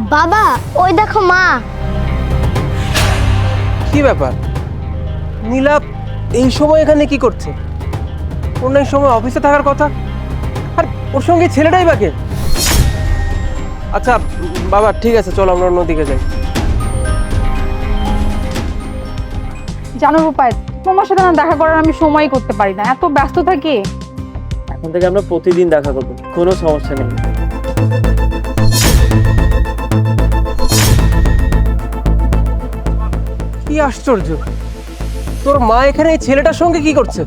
বাবা ওই দেখো মা। কি ব্যাপার? নীলা এই সময় এখানে কি করছে? ওর না এই সময় অফিসে থাকার কথা, আর ওর সঙ্গে ছেলেটাই বাকি। আচ্ছা বাবা ঠিক আছে, চলো আমরা অন্যদিকে যাই। জানো রূপায়, তোমার সাথে না দেখা করার আমি সময় করতে পারি না, এত ব্যস্ত থাকি। এখন থেকে আমরা প্রতিদিন দেখা করবো, কোনো সমস্যা নেই। কি আশ্চর্য, তোর মা এখানে এই ছেলেটার সঙ্গে কি করছে?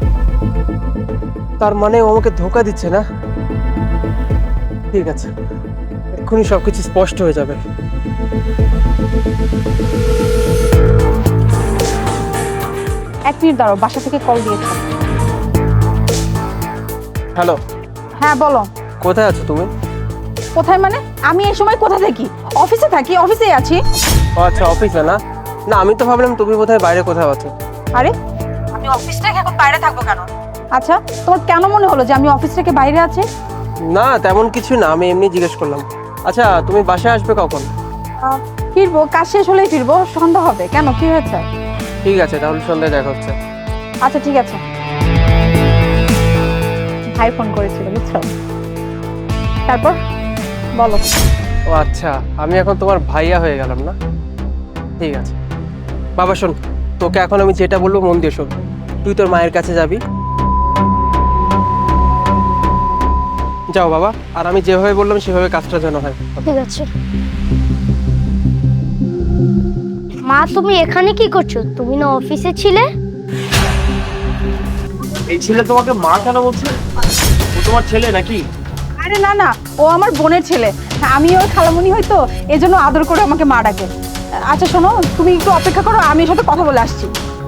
তার মানে ও আমাকে ধোকা দিচ্ছে না? ঠিক আছে, এক্ষুনি সবকিছু স্পষ্ট হয়ে যাবে। এক মিনিট দাঁড়াও, বাসা থেকে কল দিয়েছে। হ্যালো, হ্যাঁ বলো। কোথায় আছো তুমি? কোথায় মানে? আমি এই সময় কোথায় থাকি? অফিসে থাকি, অফিসেই আছি। ও আচ্ছা, অফিসে না? না আমি তো ভাবলাম তুমি বোধহয় বাইরে কোথাও আছো। আরে আমি অফিস থেকে এখন বাইরে থাকবো কেন? আচ্ছা, তোমার কেন মনে হলো যে আমি অফিস থেকে বাইরে আছি? না তেমন কিছু না, আমি এমনি জিজ্ঞেস করলাম। আচ্ছা তুমি বাসায় আসবে কখন? ফিরবো, কাজ শেষ হলেই ফিরবো, সন্ধ্যা হবে। কেন, কি হয়েছে? ঠিক আছে, তাহলে সন্ধ্যায় দেখা হচ্ছে। আচ্ছা ঠিক আছে। ভাই ফোন করেছিল বুঝছো। তারপর বলো। ও আচ্ছা, আমি এখন তোমার ভাইয়া হয়ে গেলাম না? ঠিক আছে বাবা, শোন, তোকে এখন আমি যেটা বলবো মন দিয়ে শোন। তুই তোর মায়ের কাছে যাবি, যাও বাবা, আর আমি যেভাবে বললাম সেভাবে কাজটা যেন হয়। ঠিক আছে। মা তুমি এখানে কি করছো? তুমি না অফিসে ছিলে? এই ছেলে তোমাকে মা কেন বলছে? ও তোমার ছেলে নাকি? আরে না না, ও আমার বোনের ছেলে। আমি ওর খালামণি হয়তো, এজন্য আদর করে আমাকে মা ডাকে। আচ্ছা শোনো, তুমি একটু অপেক্ষা করো, আমি ওর সাথে কথা বলে আসছি।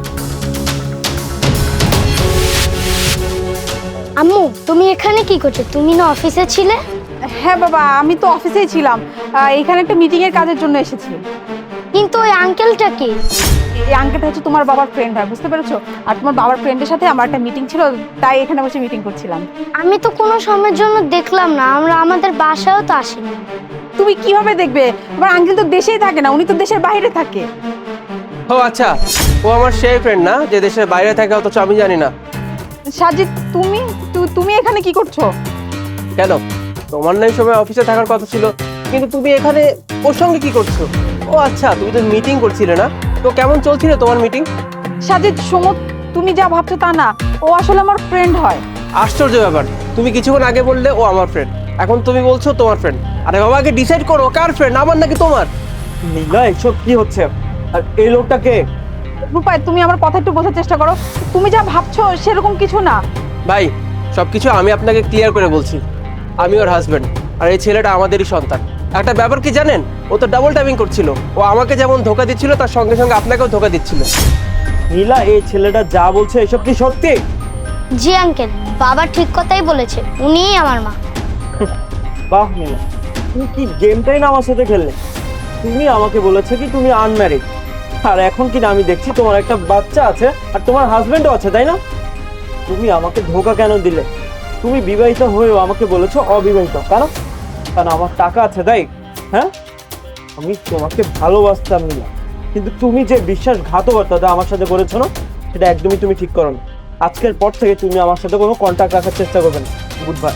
আম্মু তুমি এখানে কি করছো? তুমি না অফিসে ছিলে? হ্যাঁ বাবা, আমি তো অফিসেই ছিলাম। এখানে একটা মিটিং এর কাজের জন্য এসেছি। কিন্তু ওই আঙ্কেলটা কি? এই আঙ্কেলটা হচ্ছে তোমার বাবার ফ্রেন্ড হয়, বুঝতে পেরেছো? আর তোমার বাবার ফ্রেন্ডের সাথে আমার একটা মিটিং ছিল, তাই এখানে বসে মিটিং করছিলাম। আমি তো কোনো সময়ের জন্য দেখলাম না, আমরা আমাদের বাসায়ও তো আসিনি। তুমি কিভাবে দেখবে? তোমার আঙ্কেল তো দেশেই থাকে না, উনি তো দেশের বাইরে থাকে। ও আচ্ছা, ও আমার সেই ফ্রেন্ড না যে দেশের বাইরে থাকে, অথচ আমি জানি না। সাজিদ, তুমি তুমি এখানে কি করছো? কেন, তোমার না এই সময় অফিসে থাকার কথা ছিল, কিন্তু তুমি এখানে ওর সঙ্গে কি করছো? ও আচ্ছা, তুমি তো মিটিং করছিলে না? তো কেমন চলছিল তোমার মিটিং? সাজিদ শোনো, তুমি যা ভাবছো তা না, ও আসলে আমার ফ্রেন্ড হয়। আশ্চর্য ব্যাপার, তুমি কিছুক্ষণ আগে বললে ও আমার ফ্রেন্ড, এখন তুমি বলছো তোমার ফ্রেন্ড। আরে বাবা, আগে ডিসাইড করো কার ফ্রেন্ড, আমার নাকি তোমার? নীলা এসব কি হচ্ছে? আর এই লোকটাকে? রূপায়, তুমি আমার কথা একটু বোঝার চেষ্টা করো। তুমি যা ভাবছো সেরকম কিছু না। ভাই সবকিছু আমি আপনাকে ক্লিয়ার করে বলছি, আমি ওর হাজবেন্ড, আর এই ছেলেটা আমাদেরই সন্তান। একটা ব্যাপার কি জানেন, ও তো ডাবল টাইপিং করছিল, ও আমাকে যেমন ধোকা দিচ্ছিল তার সঙ্গে সঙ্গে আপনাকেও ধোকা দিচ্ছিল। নীলা এই ছেলেটা যা বলছে এসব কি সত্যি? জি আঙ্কেল, বাবা ঠিক কথাই বলেছে, উনিই আমার মা। বাহ নীলা, তুমি কি গেমটাই না আমার সাথে খেললে? তুমি আমাকে বলেছে কি তুমি আনম্যারিড, আর এখন কি না আমি দেখছি তোমার একটা বাচ্চা আছে আর তোমার হাজবেন্ডও আছে, তাই না? তুমি আমাকে ধোকা কেন দিলে? তুমি বিবাহিত হয়েও আমাকে বলেছো অবিবাহিত, কেন? কারণ আমার টাকা আছে তাই? হ্যাঁ, আমি তোমাকে ভালোবাসতাম নীলা, কিন্তু তুমি যে বিশ্বাসঘাতকতা আমার সাথে করেছো না, সেটা একদমই তুমি ঠিক করো না। আজকের পর থেকে তুমি আমার সাথে কোনো কন্ট্যাক্ট রাখার চেষ্টা করবে না। Good bye.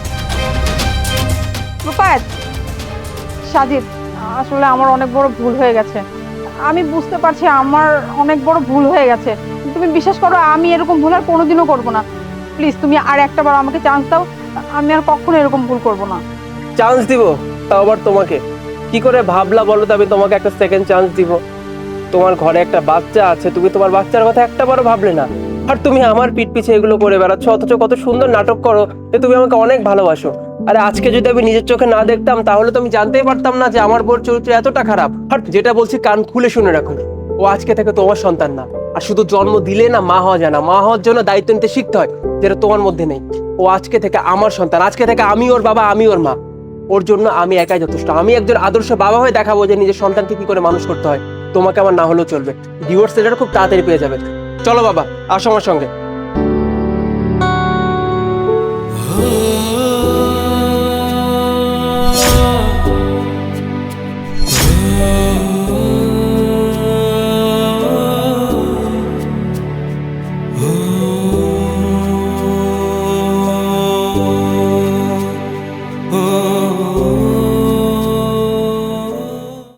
রূপায়, সাজিদ, আসলে আমার অনেক বড় ভুল হয়ে গেছে। আমি বুঝতে পারছি আমার অনেক বড় ভুল হয়ে গেছে। তুমি বিশ্বাস করো, আমি এরকম ভুল আর কোনোদিনও করবো না। প্লিজ তুমি আর একটা বার আমাকে চান্স দাও, আমি আর কখনো এরকম ভুল করবো না। চান্স দিব? তাও আবার তোমাকে? কি করে ভাবলা বলো তো আমি তোমাকে একটা সেকেন্ড চান্স দিব? তোমার ঘরে একটা বাচ্চা আছে, তুমি তোমার বাচ্চার কথা একটা বারও ভাবলে না, আর তুমি আমার পিঠ পিছে এগুলো করে বেড়াচ্ছ, অথচ কত সুন্দর নাটক করো যে তুমি আমাকে অনেক ভালোবাসো। আরে আজকে যদি আমি নিজের চোখে না দেখতাম তাহলে তো আমি জানতেই পারতাম না যে আমার বোর চরিত্র এতটা খারাপ। আর যেটা বলছি কান খুলে শুনে রাখো, ও আজকে থেকে তোমার সন্তান না। আর শুধু জন্ম দিলে না মা হওয়া যায় না, মা হওয়ার জন্য দায়িত্ব নিতে শিখতে হয়, যেটা তোমার মধ্যে নেই। ও আজকে থেকে আমার সন্তান, আজকে থেকে আমি ওর বাবা, আমি ওর মা। ওর জন্য আমি একাই যথেষ্ট। আমি একজন আদর্শ বাবা হয়ে দেখাবো যে নিজের সন্তানকে কি করে মানুষ করতে হয়। তোমাকে আমার না হলেও চলবে, ডিভোর্স লেটার খুব তাড়াতাড়ি পেয়ে যাবে। চলো বাবা, আসো আমার সঙ্গে।